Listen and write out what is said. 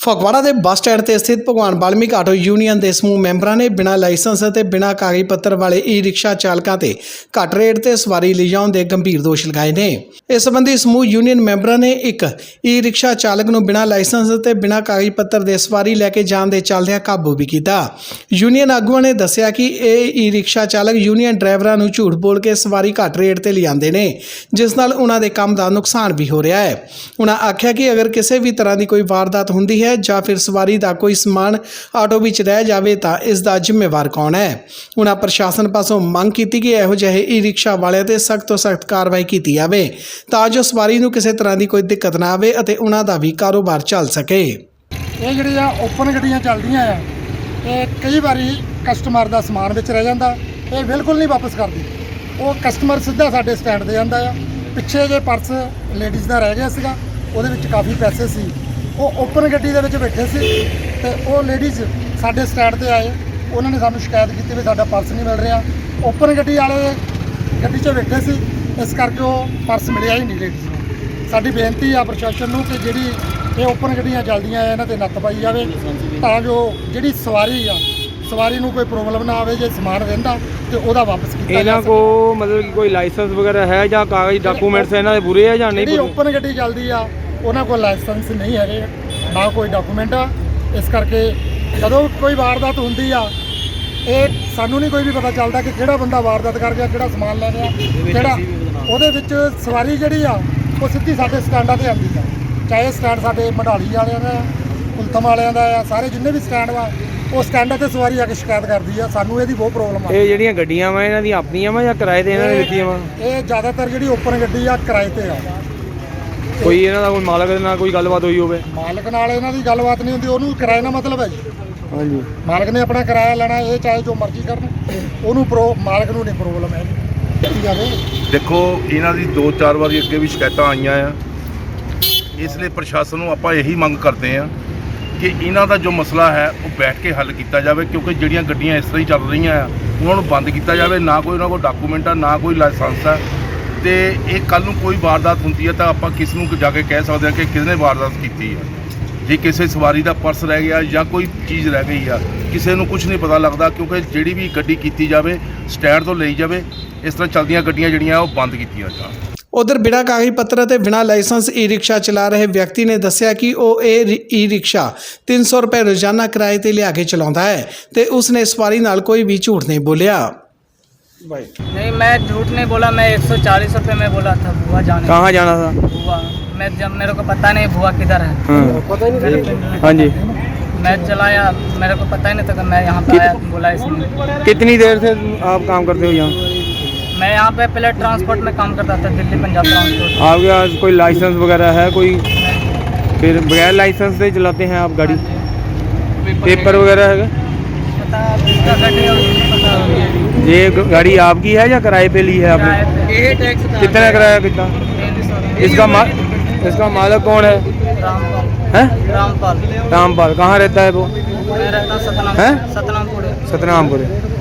ਫਗਵਾੜਾ ਦੇ bus stand ਤੇ ਸਥਿਤ ਭਗਵਾਨ ਵਾਲਮੀਕ ਆਟੋ ਯੂਨੀਅਨ ਦੇ ਸਮੂਹ ਮੈਂਬਰਾਂ ਨੇ ਬਿਨਾਂ ਲਾਇਸੈਂਸ ਅਤੇ ਬਿਨਾਂ ਕਾਗਜ਼ ਪੱਤਰ ਵਾਲੇ ਈ-ਰਿਕਸ਼ਾ ਚਾਲਕਾਂ ਤੇ ਘੱਟ ਰੇਟ ਤੇ ਸਵਾਰੀ ਲਿਜਾਉਣ ਦੇ ਗੰਭੀਰ ਦੋਸ਼ ਲਗਾਏ ਨੇ। ਇਸ ਸੰਬੰਧੀ ਸਮੂਹ ਯੂਨੀਅਨ ਮੈਂਬਰਾਂ ਨੇ ਇੱਕ ਈ-ਰਿਕਸ਼ਾ ਚਾਲਕ ਨੂੰ ਬਿਨਾਂ ਲਾਇਸੈਂਸ ਅਤੇ ਬਿਨਾਂ ਕਾਗਜ਼ ਪੱਤਰ ਦੇ ਸਵਾਰੀ ਲੈ ਕੇ ਜਾਣ ਦੇ ਚੱਲਦਿਆਂ ਕਾਬੂ ਵੀ ਕੀਤਾ। ਯੂਨੀਅਨ ਆਗੂਆਂ ਨੇ ਦੱਸਿਆ ਕਿ ਇਹ ਈ-ਰਿਕਸ਼ਾ ਚਾਲਕ ਯੂਨੀਅਨ ਡਰਾਈਵਰਾਂ ਨੂੰ ਝੂਠ ਬੋਲ ਕੇ ਸਵਾਰੀ ਘੱਟ ਰੇਟ ਤੇ ਲਿਆਉਂਦੇ ਨੇ, ਜਿਸ ਨਾਲ ਉਹਨਾਂ ਦੇ ਕੰਮ ਦਾ ਨੁਕਸਾਨ ਵੀ ਹੋ ਰਿਹਾ ਹੈ। ਉਹਨਾਂ ਆਖਿਆ ਕਿ ਅਗਰ ਕਿਸੇ ਵੀ ਤਰ੍ਹਾਂ ਦੀ ਕੋਈ ਵਾਰਦਾਤ ਹੁੰਦੀ ਹੈ ਜਾਂ ਫਿਰ ਸਵਾਰੀ ਦਾ ਕੋਈ ਸਮਾਨ ਆਟੋ ਵਿੱਚ ਰਹਿ ਜਾਵੇ ਤਾਂ ਇਸ ਦਾ ਜ਼ਿੰਮੇਵਾਰ ਕੌਣ ਹੈ। ਉਹਨਾਂ ਪ੍ਰਸ਼ਾਸਨ ਪਾਸੋਂ ਮੰਗ ਕੀਤੀ ਕਿ ਇਹੋ ਜਿਹੇ ਈ-ਰਿਕਸ਼ਾ ਵਾਲਿਆਂ ਤੇ ਸਖਤ ਤੋਂ ਸਖਤ ਕਾਰਵਾਈ ਕੀਤੀ ਜਾਵੇ ਤਾਂ ਜੋ ਸਵਾਰੀ ਨੂੰ ਕਿਸੇ ਤਰ੍ਹਾਂ ਦੀ ਕੋਈ ਦਿੱਕਤ ਨਾ ਆਵੇ ਅਤੇ ਉਹਨਾਂ ਦਾ ਵੀ ਕਾਰੋਬਾਰ ਚੱਲ ਸਕੇ। ਇਹ ਜਿਹੜੀਆਂ ਓਪਨ ਗੱਡੀਆਂ ਚੱਲਦੀਆਂ ਆ, ਇਹ ਕਈ ਵਾਰੀ ਕਸਟਮਰ ਦਾ ਸਮਾਨ ਵਿੱਚ ਰਹਿ ਜਾਂਦਾ, ਇਹ ਬਿਲਕੁਲ ਨਹੀਂ ਵਾਪਸ ਕਰਦੀ। ਉਹ ਕਸਟਮਰ ਸਿੱਧਾ ਸਾਡੇ ਸਟੈਂਡ ਤੇ ਜਾਂਦਾ ਆ। ਪਿੱਛੇ ਜੇ ਪਰਸ ਲੇਡੀਜ਼ ਦਾ ਰਹਿ ਗਿਆ ਸੀਗਾ, ਉਹਦੇ ਵਿੱਚ ਕਾਫੀ ਪੈਸੇ ਸੀ। ਉਹ ਓਪਨ ਗੱਡੀ ਦੇ ਵਿੱਚ ਬੈਠੇ ਸੀ ਤੇ ਉਹ ਲੇਡੀਜ਼ ਸਾਡੇ ਸਟੈਂਡ ਤੇ ਆਏ, ਉਹਨਾਂ ਨੇ ਸਾਨੂੰ ਸ਼ਿਕਾਇਤ ਕੀਤੀ ਵੀ ਸਾਡਾ ਪਰਸ ਨਹੀਂ ਮਿਲ ਰਿਹਾ। ਓਪਨ ਗੱਡੀ ਵਾਲੇ ਗੱਡੀ 'ਚ ਬੈਠੇ ਸੀ, ਇਸ ਕਰਕੇ ਉਹ ਪਰਸ ਮਿਲਿਆ ਹੀ ਨਹੀਂ ਲੇਡੀਜ਼ ਨੂੰ। ਸਾਡੀ ਬੇਨਤੀ ਆ ਪ੍ਰਸ਼ਾਸਨ ਨੂੰ ਕਿ ਜਿਹੜੀ ਇਹ ਓਪਨ ਗੱਡੀਆਂ ਚੱਲਦੀਆਂ ਆ, ਇਹਨਾਂ ਤੇ ਨੱਥ ਪਾਈ ਜਾਵੇ ਤਾਂ ਜੋ ਜਿਹੜੀ ਸਵਾਰੀ ਨੂੰ ਕੋਈ ਪ੍ਰੋਬਲਮ ਨਾ ਆਵੇ। ਜੇ ਸਮਾਨ ਰਹਿੰਦਾ ਤੇ ਉਹਦਾ ਵਾਪਸ ਕੀਤਾ ਜਾਵੇ। ਇਹਨਾਂ ਕੋ ਮਤਲਬ ਕਿ ਕੋਈ ਲਾਇਸੈਂਸ ਵਗੈरह है ਜਾਂ ਕਾਗਜ਼ ਡਾਕੂਮੈਂਟਸ ਇਹਨਾਂ ਦੇ ਪੂਰੇ ਹੈ ਜਾਂ ਨਹੀਂ? ਜਿਹੜੀ ਓਪਨ ਗੱਡੀ ਚੱਲਦੀ ਆ ਉਹਨਾਂ ਕੋਲ ਲਾਇਸੈਂਸ ਨਹੀਂ ਹੈਗੇ, ਨਾ ਕੋਈ ਡਾਕੂਮੈਂਟ ਆ। ਇਸ ਕਰਕੇ ਜਦੋਂ ਕੋਈ ਵਾਰਦਾਤ ਹੁੰਦੀ ਆ, ਇਹ ਸਾਨੂੰ ਨਹੀਂ ਕੋਈ ਵੀ ਪਤਾ ਚੱਲਦਾ ਕਿ ਕਿਹੜਾ ਬੰਦਾ ਵਾਰਦਾਤ ਕਰ ਗਿਆ, ਕਿਹੜਾ ਸਮਾਨ ਲੈ ਗਿਆ, ਕਿਹੜਾ। ਉਹਦੇ ਵਿੱਚ ਸਵਾਰੀ ਜਿਹੜੀ ਆ ਉਹ ਸਿੱਧੀ ਸਾਡੇ ਸਟੈਂਡਾਂ ਤੇ ਆਉਂਦੀ ਆ, ਚਾਹੇ ਸਟੈਂਡ ਸਾਡੇ ਮਢਾਲੀ ਵਾਲਿਆਂ ਦਾ, ਕੁਲਥਮ ਵਾਲਿਆਂ ਦਾ ਆ, ਸਾਰੇ ਜਿੰਨੇ ਵੀ ਸਟੈਂਡ ਵਾ ਉਹ ਸਟੈਂਡਾਂ ਤੇ ਸਵਾਰੀ ਆ ਕੇ ਸ਼ਿਕਾਇਤ ਕਰਦੀ ਆ। ਸਾਨੂੰ ਇਹਦੀ ਬਹੁਤ ਪ੍ਰੋਬਲਮ ਆ। ਇਹ ਜਿਹੜੀਆਂ ਗੱਡੀਆਂ ਵਾ ਇਹਨਾਂ ਦੀਆਂ ਆਪਣੀਆਂ ਵਾ ਜਾਂ ਕਿਰਾਏ ਤੇ ਇਹਨਾਂ ਨੇ ਦਿੱਤੀਆਂ ਵਾ? ਇਹ ਜ਼ਿਆਦਾਤਰ ਜਿਹੜੀ ਓਪਨ ਗੱਡੀ ਆ ਕਿਰਾਏ ਤੇ ਆ। ਕੋਈ ਇਹਨਾਂ ਦਾ ਕੋਈ ਮਾਲਕ ਦੇ ਨਾਲ ਕੋਈ ਗੱਲਬਾਤ ਹੋਈ ਹੋਵੇ? ਮਾਲਕ ਨਾਲ ਇਹਨਾਂ ਦੀ ਗੱਲਬਾਤ ਨਹੀਂ ਹੁੰਦੀ, ਉਹਨੂੰ ਕਿਰਾਏ ਨਾਲ ਮਤਲਬ ਹੈ ਜੀ। ਹਾਂਜੀ, ਮਾਲਕ ਨੇ ਆਪਣਾ ਕਿਰਾਇਆ ਲੈਣਾ, ਇਹ ਚਾਹੇ ਜੋ ਮਰਜ਼ੀ ਕਰਨ, ਉਹਨੂੰ ਮਾਲਕ ਨੂੰ ਨਹੀਂ ਪ੍ਰੋਬਲਮ ਹੈ। ਦੇਖੋ, ਇਹਨਾਂ ਦੀ 2-4 ਵਾਰੀ ਅੱਗੇ ਵੀ ਸ਼ਿਕਾਇਤਾਂ ਆਈਆਂ ਆ। ਇਸ ਲਈ ਪ੍ਰਸ਼ਾਸਨ ਨੂੰ ਆਪਾਂ ਇਹੀ ਮੰਗ ਕਰਦੇ ਆ ਕਿ ਇਹਨਾਂ ਦਾ ਜੋ ਮਸਲਾ ਹੈ ਉਹ ਬੈਠ ਕੇ ਹੱਲ ਕੀਤਾ ਜਾਵੇ, ਕਿਉਂਕਿ ਜਿਹੜੀਆਂ ਗੱਡੀਆਂ ਇਸ ਤਰ੍ਹਾਂ ਹੀ ਚੱਲ ਰਹੀਆਂ ਆ ਉਹਨਾਂ ਨੂੰ ਬੰਦ ਕੀਤਾ ਜਾਵੇ। ਨਾ ਕੋਈ ਉਹਨਾਂ ਕੋਲ ਡਾਕੂਮੈਂਟ ਆ, ਨਾ ਕੋਈ ਲਾਇਸੈਂਸ ਆ, ਤੇ ਇਹ ਕੱਲ੍ਹ ਨੂੰ ਕੋਈ ਵਾਰਦਾਤ ਹੁੰਦੀ ਹੈ ਤਾਂ ਆਪਾਂ ਕਿਸ ਨੂੰ ਜਾ ਕੇ ਕਹਿ ਸਕਦੇ ਹਾਂ ਕਿ ਕਿਸ ਨੇ ਵਾਰਦਾਤ ਕੀਤੀ ਹੈ। ਜੇ ਕਿਸੇ ਸਵਾਰੀ ਦਾ ਪਰਸ ਰਹਿ ਗਿਆ ਜਾਂ ਕੋਈ ਚੀਜ਼ ਰਹਿ ਗਈ ਆ, ਕਿਸੇ ਨੂੰ ਕੁਝ ਨਹੀਂ ਪਤਾ ਲੱਗਦਾ, ਕਿਉਂਕਿ ਜਿਹੜੀ ਵੀ ਗੱਡੀ ਕੀਤੀ ਜਾਵੇ ਸਟੈਂਡ ਤੋਂ ਲਈ ਜਾਵੇ। ਇਸ ਤਰ੍ਹਾਂ ਚੱਲਦੀਆਂ ਗੱਡੀਆਂ ਜਿਹੜੀਆਂ ਉਹ ਬੰਦ ਕੀਤੀਆਂ ਜਾਣ। ਉਧਰ ਬਿਨਾਂ ਕਾਗਜ਼ ਪੱਤਰ ਅਤੇ ਬਿਨਾਂ ਲਾਇਸੈਂਸ ਈ-ਰਿਕਸ਼ਾ ਚਲਾ ਰਹੇ ਵਿਅਕਤੀ ਨੇ ਦੱਸਿਆ ਕਿ ਉਹ ਇਹ ਈ-ਰਿਕਸ਼ਾ 300 ਰੁਪਏ ਰੋਜ਼ਾਨਾ ਕਿਰਾਏ ਤੇ ਲਿਆ ਕੇ ਚਲਾਉਂਦਾ ਹੈ ਤੇ ਉਸਨੇ ਸਵਾਰੀ ਨਾਲ ਕੋਈ ਵੀ ਝੂਠ ਨਹੀਂ ਬੋਲਿਆ। नहीं, मैं झूठ नहीं बोला। मैं 140 रुपये में बोला था बुआ जाने। कहाँ जाना था? बुआ, मैं जब मेरे को पता नहीं बुआ किधर है। हाँ जी, मैं चलाया, मेरे को पता ही नहीं था कि मैं यहाँ पे आया, बोला इसने। कितनी देर से आप काम करते हो यहाँ? मैं यहाँ पे पहले ट्रांसपोर्ट में काम करता था, दिल्ली पंजाब ट्रांसपोर्ट। आपके पास कोई लाइसेंस वगैरह है कोई? फिर बगैर लाइसेंस से चलाते हैं आप गाड़ी? पेपर वगैरह है? पता किसका गाड़ी है उसको पता होगा। ये गाड़ी आपकी है या किराए पे ली है आपने? यही टैक्स था। कितना किराया कितना? 300। इसका मालिक कौन है? रामपाल। हैं? रामपाल। रामपाल कहाँ रहता है वो? मैं रहता हैं? सतनामपुर। सतनामपुर।